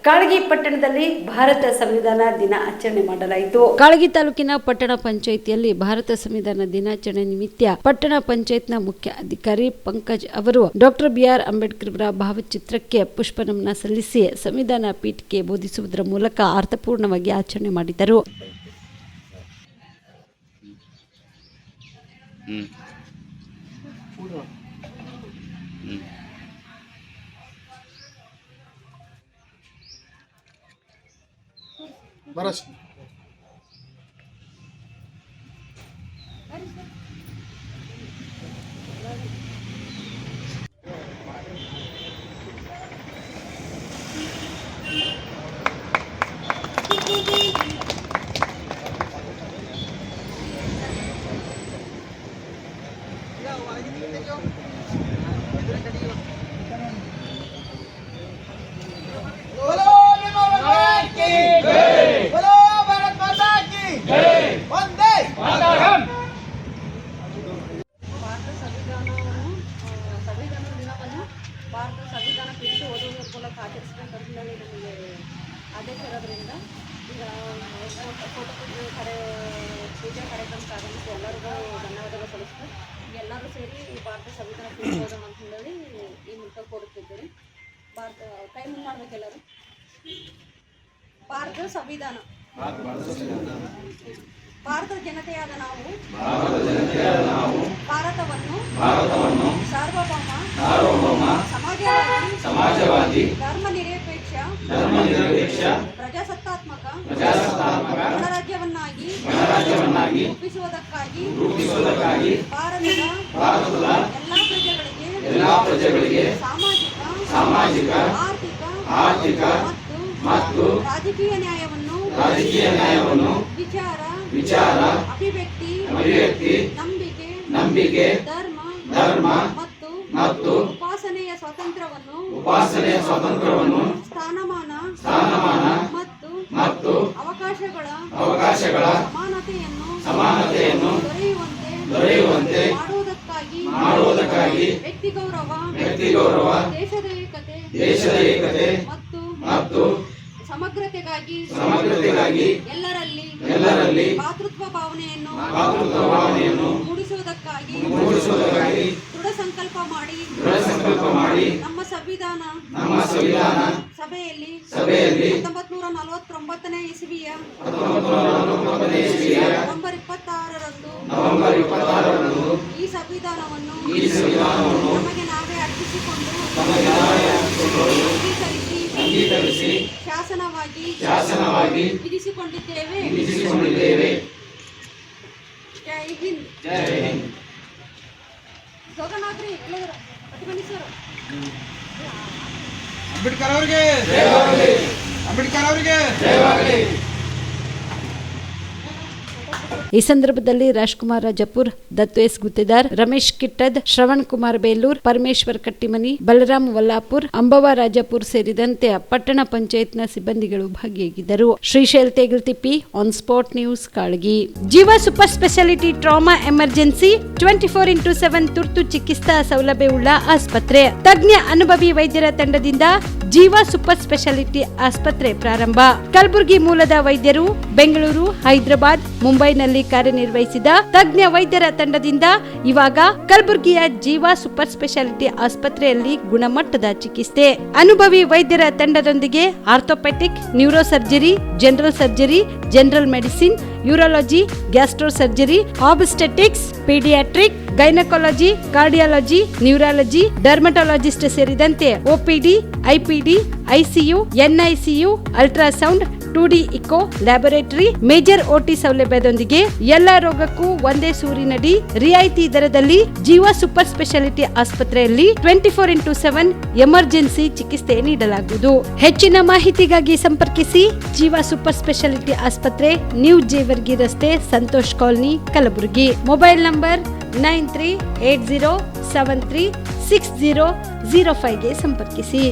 ಕಾಳಗಿ ಪಟ್ಟಣದಲ್ಲಿ ಭಾರತ ಸಂವಿಧಾನ ದಿನ ಆಚರಣೆ ಮಾಡಲಾಯಿತು. ಕಾಳಗಿ ತಾಲೂಕಿನ ಪಟ್ಟಣ ಪಂಚಾಯಿತಿಯಲ್ಲಿ ಭಾರತ ಸಂವಿಧಾನ ದಿನಾಚರಣೆ ನಿಮಿತ್ತ ಪಟ್ಟಣ ಪಂಚಾಯತ್ನ ಮುಖ್ಯ ಅಧಿಕಾರಿ ಪಂಕಜ್ ಅವರು ಡಾಕ್ಟರ್ ಬಿ.ಆರ್. ಅಂಬೇಡ್ಕರ್ ಅವರ ಭಾವಚಿತ್ರಕ್ಕೆ ಪುಷ್ಪನಮನ ಸಲ್ಲಿಸಿ ಸಂವಿಧಾನ ಪೀಠಿಕೆ ಬೋಧಿಸುವುದರ ಮೂಲಕ ಅರ್ಥಪೂರ್ಣವಾಗಿ ಆಚರಣೆ ಮಾಡಿದರು. बरस ಭಾರತ ಸಂವಿಧಾನ ಪೀಠ ಓದುವುದರ ಮೂಲಕ ಆಚರಿಸಬೇಕಂತ ನಮಗೆ ಆದೇಶ ಇರೋದ್ರಿಂದ ಈಗ ಫೋಟೋ ಪೂಜೆ ಕಾರ್ಯಕ್ರಮಕ್ಕೆ ಆಗಮಿಸಿ ಎಲ್ಲರಿಗೂ ಧನ್ಯವಾದಗಳು ಸಲ್ಲಿಸ್ತಾರೆ. ಎಲ್ಲರೂ ಸೇರಿ ಈ ಭಾರತ ಸಂವಿಧಾನ ಪೀಠ ಓದೋಣ ಅಂತ ಹೇಳಿ ಈ ಮೂಲಕ ಕೋರುತ್ತಿದ್ದೇವೆ. ಕೈ ಮುಂದೆ ಮಾಡಬೇಕು ಎಲ್ಲರೂ. ಭಾರತ ಸಂವಿಧಾನ ಭಾರತದ ಜನತೆಯಾದ ನಾವು ಭಾರತವನ್ನು ಸಾರ್ವಭೌಮ ಸಮಾಜವಾದಿ ಧರ್ಮನಿರಪೇಕ್ಷ ಪ್ರಜಾಸತ್ತಾತ್ಮಕ ಗಣರಾಜ್ಯವನ್ನಾಗಿ ರೂಪಿಸುವುದಕ್ಕಾಗಿ ಭಾರತದ ಎಲ್ಲಾ ಪ್ರಜೆಗಳಿಗೆ ಸಾಮಾಜಿಕ ಆರ್ಥಿಕ ಮತ್ತು ರಾಜಕೀಯ ನ್ಯಾಯವನ್ನು ವಿಚಾರ ಅಭಿವ್ಯಕ್ತಿ ನಂಬಿಕೆ ಧರ್ಮ ಮತ್ತು ಉಪಾಸನೆಯ ಸ್ವಾತಂತ್ರ್ಯವನ್ನು ಸ್ಥಾನಮಾನ ಮತ್ತು ಅವಕಾಶಗಳ ಸಮಾನತೆಯನ್ನು ದೊರೆಯುವಂತೆ ಮಾಡುವುದಕ್ಕಾಗಿ ವ್ಯಕ್ತಿ ಗೌರವ ದೇಶದ ಏಕತೆ ಮತ್ತು ಸಮಗ್ರತೆಗಾಗಿ ಎಲ್ಲರಲ್ಲಿ ಮಾತೃತ್ವ ಭಾವನೆಯನ್ನು ಮೂಡಿಸುವುದಕ್ಕಾಗಿ ದೃಢ ಸಂಕಲ್ಪ ಮಾಡಿ ನಮ್ಮ ಸಂವಿಧಾನ ಸಭೆಯಲ್ಲಿ 1949ನೇ ಇಸವಿಯ ನವೆಂಬರ್ 26ರಂದು ಈ ಸಂವಿಧಾನವನ್ನು ನಮಗೆ ನಾವೇ ಅರ್ಪಿಸಿಕೊಂಡು ಅಂಗೀಕರಿಸಿ ಶಾಸನವಾಗಿ ವಿಧಿಸಿಕೊಂಡಿದ್ದೇವೆ. ಜೈ ಹಿಂದ್. ಜೋಗನಾಥ್ರಿ ಅಂಬೇಡ್ಕರ್ ಅವರಿಗೆ ಈ ಸಂದರ್ಭದಲ್ಲಿ ರಾಜ್ಕುಮಾರ್ ರಾಜಪುರ್, ದತ್ತು ಎಸ್ ಗುತ್ತೇದಾರ್, ರಮೇಶ್ ಕಿಟ್ಟದ್, ಶ್ರವಣ್ ಕುಮಾರ್ ಬೇಲೂರ್, ಪರಮೇಶ್ವರ್ ಕಟ್ಟಿಮನಿ, ಬಲರಾಮ್ ವಲ್ಲಾಪುರ್, ಅಂಬವ ರಾಜಪುರ್ ಸೇರಿದಂತೆ ಪಟ್ಟಣ ಪಂಚಾಯತ್ನ ಸಿಬ್ಬಂದಿಗಳು ಭಾಗಿಯಾಗಿದ್ದರು. Shrishail Tegaltippi, on spot news, Kalagi. Jeeva super speciality trauma emergency 24x7 ತುರ್ತು ಚಿಕಿತ್ಸಾ ಸೌಲಭ್ಯವುಳ್ಳ ಆಸ್ಪತ್ರೆ. ತಜ್ಞ ಅನುಭವಿ ವೈದ್ಯರ ತಂಡದಿಂದ ಜೀವ ಸೂಪರ್ ಸ್ಪೆಷಾಲಿಟಿ ಆಸ್ಪತ್ರೆ ಪ್ರಾರಂಭ. ಕಲಬುರಗಿ ಮೂಲದ ವೈದ್ಯರು ಬೆಂಗಳೂರು, ಹೈದರಾಬಾದ್, ಮುಂಬೈನಲ್ಲಿ ಕಾರ್ಯನಿರ್ವಹಿಸಿದ ತಜ್ಞ ವೈದ್ಯರ ತಂಡದಿಂದ ಇವಾಗ ಕಲಬುರಗಿಯ ಜೀವ ಸೂಪರ್ ಸ್ಪೆಷಾಲಿಟಿ ಆಸ್ಪತ್ರೆಯಲ್ಲಿ ಗುಣಮಟ್ಟದ ಚಿಕಿತ್ಸೆ. ಅನುಭವಿ ವೈದ್ಯರ ತಂಡದೊಂದಿಗೆ orthopaedic, neuro surgery, general surgery, general medicine, urology, gastro surgery, obstetrics, paediatric, gynaecology, cardiology, neurology, dermatologist ಸೇರಿದಂತೆ OPD, IPD, ICU, NICU, ultrasound, 2D echo, laboratory, major OT ಸೌಲಭ್ಯದೊಂದಿಗೆ ಎಲ್ಲಾ ರೋಗಕ್ಕೂ ಒಂದೇ ಸೂರಿನಡಿ ರಿಯಾಯಿತಿ ದರದಲ್ಲಿ ಜೀವ ಸೂಪರ್ ಸ್ಪೆಷಾಲಿಟಿ ಆಸ್ಪತ್ರೆಯಲ್ಲಿ 24x7 ಎಮರ್ಜೆನ್ಸಿ ಚಿಕಿತ್ಸೆ ನೀಡಲಾಗುವುದು. ಹೆಚ್ಚಿನ ಮಾಹಿತಿಗಾಗಿ ಸಂಪರ್ಕಿಸಿ ಜೀವ ಸೂಪರ್ ಸ್ಪೆಷಾಲಿಟಿ ಆಸ್ಪತ್ರೆ, ನ್ಯೂ ಜೇವರ್ಗಿ ರಸ್ತೆ, Santosh colony, Kalaburagi. Mobile number 9380736005ಗೆ ಸಂಪರ್ಕಿಸಿ.